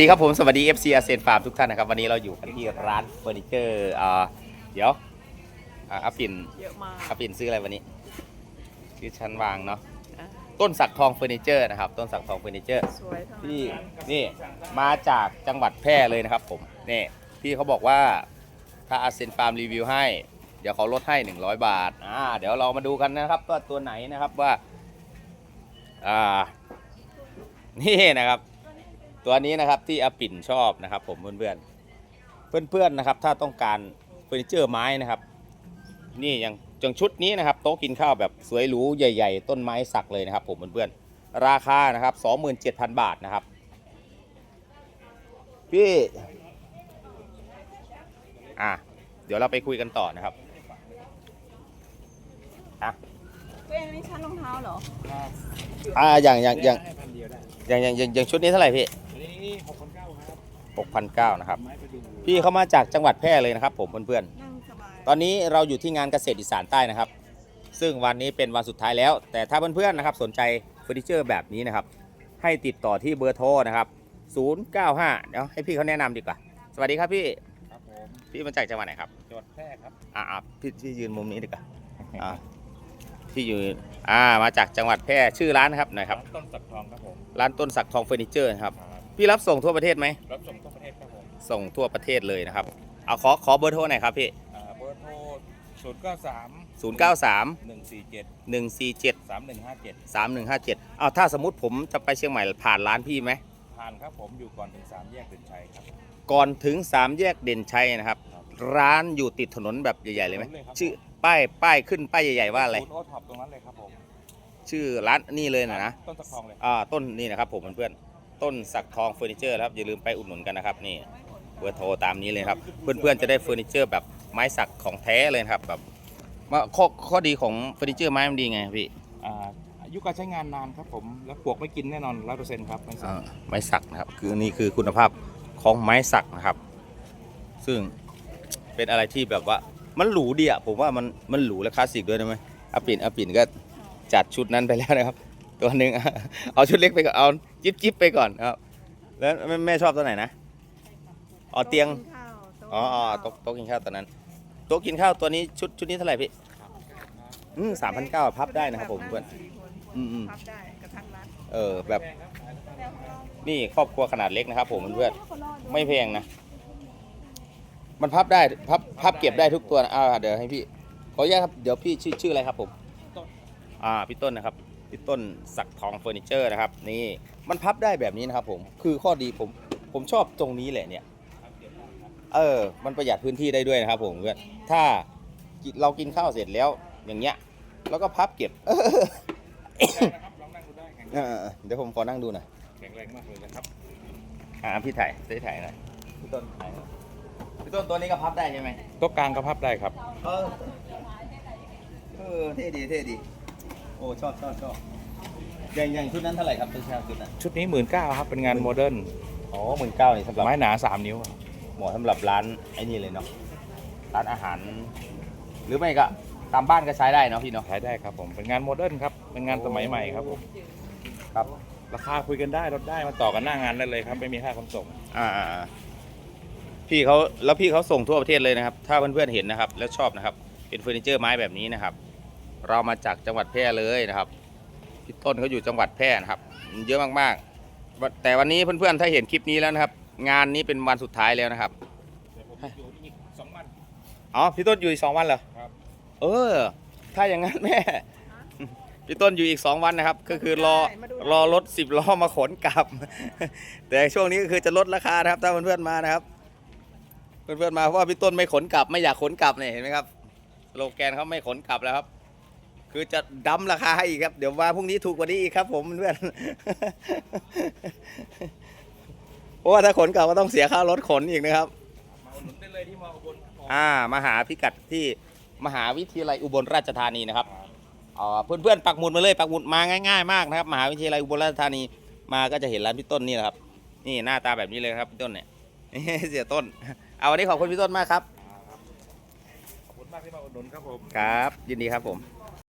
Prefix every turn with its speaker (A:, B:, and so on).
A: ดีครับผมสวัสดี FC อาเซียนฟาร์มทุกท่านนะครับวันนี้เราอยู่กันที่ร้านเฟอร์นิเจอร์เดี๋ยวอาปิ่น
B: เยอะมาก
A: อาปิ่นซื้ออะไรวันนี้ซื้อชั้นวางเนาะ
B: อ่ะ
A: ต้นสักทองเฟอร์นิเจอร์นะครับต้นสักทองเฟอร์นิเจอร์
B: สวยทั้ง
A: พี่
B: นั้น
A: นี่มาจากจังหวัดแพร่เลยนะครับผมนี่พี่เขาบอกว่าถ้าอาเซียนฟาร์มรีวิวให้เดี๋ยวเขาลดให้100 บาทเดี๋ยวเรามาดูกันนะครับว่าตัวไหนนะครับว่านี่นะครับตัวนี้นะครับที่อาปิ่นชอบนะครับผมเพื่อนๆนะครับถ้าต้องการเฟอร์นิเจอร์ไม้นะครับนี่อย่างชุดนี้นะครับโต๊ะกินข้าวแบบสวยหรูใหญ่ๆต้นไม้สักเลยนะครับผมเพื่อนๆราคานะครับ 27,000 บาทนะครับพี่เดี๋ยวเราไปคุยกันต่อนะครับ
B: ตัวเองนี่ชั้นรองเท้าเหรอ
A: อย่างชุดนี้เท่าไหร่พี่
C: นี่6,900ครับ
A: 6,900นะครับพี่เขามาจากจังหวัดแพร่เลยนะครับผมเพื่อน
B: นั่งสบาย
A: ๆตอนนี้เราอยู่ที่งานเกษตรอีสานใต้นะครับซึ่งวันนี้เป็นวันสุดท้ายแล้วแต่ถ้าเพื่อนๆนะครับสนใจเฟอร์นิเจอร์แบบนี้นะครับให้ติดต่อที่เบอร์โทรนะครับ095เดี๋ยวให้พี่เขาแนะนำดีกว่าสวัสดีครับพี่
C: ครับผม
A: พี่มาจากจังหวัดไหนครับ
C: จังหวัดแพร่ครับ
A: พี่ยืนมุมนี้ดีกว่าพี่อยู่มาจากจังหวัดแพร่ชื่อร้านนะครับหน่อยครับ
C: ต้นสักทองครับผม
A: ร้านต้นสักทองเฟอร์นิเจอร์ครับพี่รับส่งทั่วประเทศไหม
C: รับส่งทั่วประเทศครับผม
A: ส่งทั่วประเทศเลยนะครับเอาขอเบอร์โทรหน่อยครับพี่
C: เบอร์โทร093 147 3157
A: เอาถ้าสมมุติผมจะไปเชียงใหม่ผ่านร้านพี่ไหม
C: ผ่านครับผมอยู่ก่อนถึง3แยกเด่นชัยครับ
A: ก่อนถึง3แยกเด่นชัยนะครับร้านอยู่ติดถนนแบบใหญ่ๆเลยไหมชื่อป้ายขึ้นป้ายใหญ่ๆว่าอะไร
C: โอท็อปตรงนั้นเลยครับผม
A: ชื่อร้านนี่เลยนะ
C: ต้นสักทองเลย
A: ต้นนี่นะครับผมเพื่อนๆต้นสักทองเฟอร์นิเจอร์ครับอย่าลืมไปอุดหนุนกันนะครับนี่เบอร์โทรตามนี้เลยครับเพื่อนๆจะได้เฟอร์นิเจอร์แบบไม้สักของแท้เลยครับแบบข้อดีของเฟอร์นิเจอร์ไม้มันดีไงพี่
C: อายุการใช้งานนานครับผมแล้วปลวกไม่กินแน่นอน100%ครับ
A: ไม้สักนะครับคือนี่คือคุณภาพของไม้สักนะครับซึ่งเป็นอะไรที่แบบว่ามันหรูดีอ่ะผมว่ามันหรูและคลาสสิกด้วยนะไหมอาปิ่นก็จัดชุดนั้นไปแล้วนะครับตัวหนึ่งเอาชุดเล็กไปก่อนเอาจิ๊บไปก่อนครับแล้วแม่ชอบตัวไหนนะเตียงโต๊ะกินข้าวตัวนั้นโต๊ะกินข้าวตัวนี้ชุดนี้เท่าไหร่พี่3,900พับได้นะครับผมเพื่อน
B: พับได้กระทั่งรัด
A: แบบนี่ครอบครัวขนาดเล็กนะครับผมเพื่อนไม่แพงนะมันพับได้พับเก็บได้ทุกตัวนะเดี๋ยวให้พี่ขออนุญาตครับเดี๋ยวพี่ชื่ออะไรครับผมพี่ต้นนะครับพี่ต้นสักทองเฟอร์นิเจอร์นะครับนี่มันพับได้แบบนี้นะครับผมคือข้อดีผมชอบตรงนี้แหละเนี่ยมันประหยัดพื้นที่ได้ด้วยนะครับผมเพื่อนถ้าเรากินข้าวเสร็จแล้วอย่างเงี้ยแล้วก็พับเก็บ
C: ลองนั่งดูได้
A: เดี๋ยวผมขอนั่งดูหน่อย
C: แข็งแรงมากเลยนะครับ
A: พี่ถ่ายหน่อยพี่ต้นตัวนี้ก็พับได้ใช่ไหม
C: โต๊ะกลางก็พับได้ครับ
A: เท่ดีโอ้ชอบอย่างชุดนั้นเท่าไหร่ครับ
C: ชุดนี้19,000ครับเป็นงานโมเดิร์น
A: 19,000นี่สำหรับ
C: ไม้หนา3 นิ้ว
A: เหมาะสำหรับร้านไอ้นี่เลยเนาะร้านอาหารหรือไม่ก็ตามบ้านก็ใช้ได้เนาะพี่เนาะ
C: ใช้ได้ครับผมเป็นงานโมเดิร์นครับเป็นงานสมัยใหม่ครับผม
A: ครับ
C: ราคาคุยกันได้ลดได้มาต่อกันหน้างานได้เลยครับไม่มีค่าขนส่ง
A: พี่เขาส่งทั่วประเทศเลยนะครับถ้าเพื่อนๆเห็นนะครับแล้วชอบนะครับเป็นเฟอร์นิเจอร์ไม้แบบนี้นะครับเรามาจากจังหวัดแพร่เลยนะครับพี่ต้นเขาอยู่จังหวัดแพร่นะครับเยอะมากๆแต่วันนี้เพื่อนๆถ้าเห็นคลิปนี้แล้วนะครับงานนี้เป็นวันสุดท้ายแล้วนะครับ
C: อยู่อีก2 วัน
A: พี่ต้นอยู่อีก2 วันเหรอ
C: ครับ
A: ถ้าอย่างนั้นแม่พี่ต้นอยู่อีก2 วันนะครับก็คือรอรถ10 ล้อมาขนกลับแต่ช่วงนี้ก็คือจะลดราคานะครับถ้าเพื่อนๆมานะครับเพื่อนๆมาเพราะว่าพี่ต้นไม่ขนกลับไม่อยากขนกลับเนี่ยเห็นไหมครับสโลแกนเขาไม่ขนกลับแล้วครับคือจะดั้มราคาให้อีกครับเดี๋ยวมาพรุ่งนี้ถูกกว่านี้อีกครับผมเพื่อนเพราะว่าถ้าขนกลับก็ต้องเสียค่ารถขนอีกนะครับ
C: มาอุดหนุนได้เลยที่มออุบล
A: มาหาพิกัดที่มหาวิทยาลัยอุบลราชธานีนะครับเพื่อนๆปักหมุดมาเลยปักหมุดมาง่ายๆมากนะครับมหาวิทยาลัยอุบลราชธานีมาก็จะเห็นร้านพี่ต้นนี่แหละครับนี่หน้าตาแบบนี้เลยครับพี่ต้นเนี่ยเสียต้นวันนี้ขอบคุณพี่ต้นมากครับ
C: ขอบคุณมากที่มาอุดหนุนครับผม
A: ครับยินดีครับผม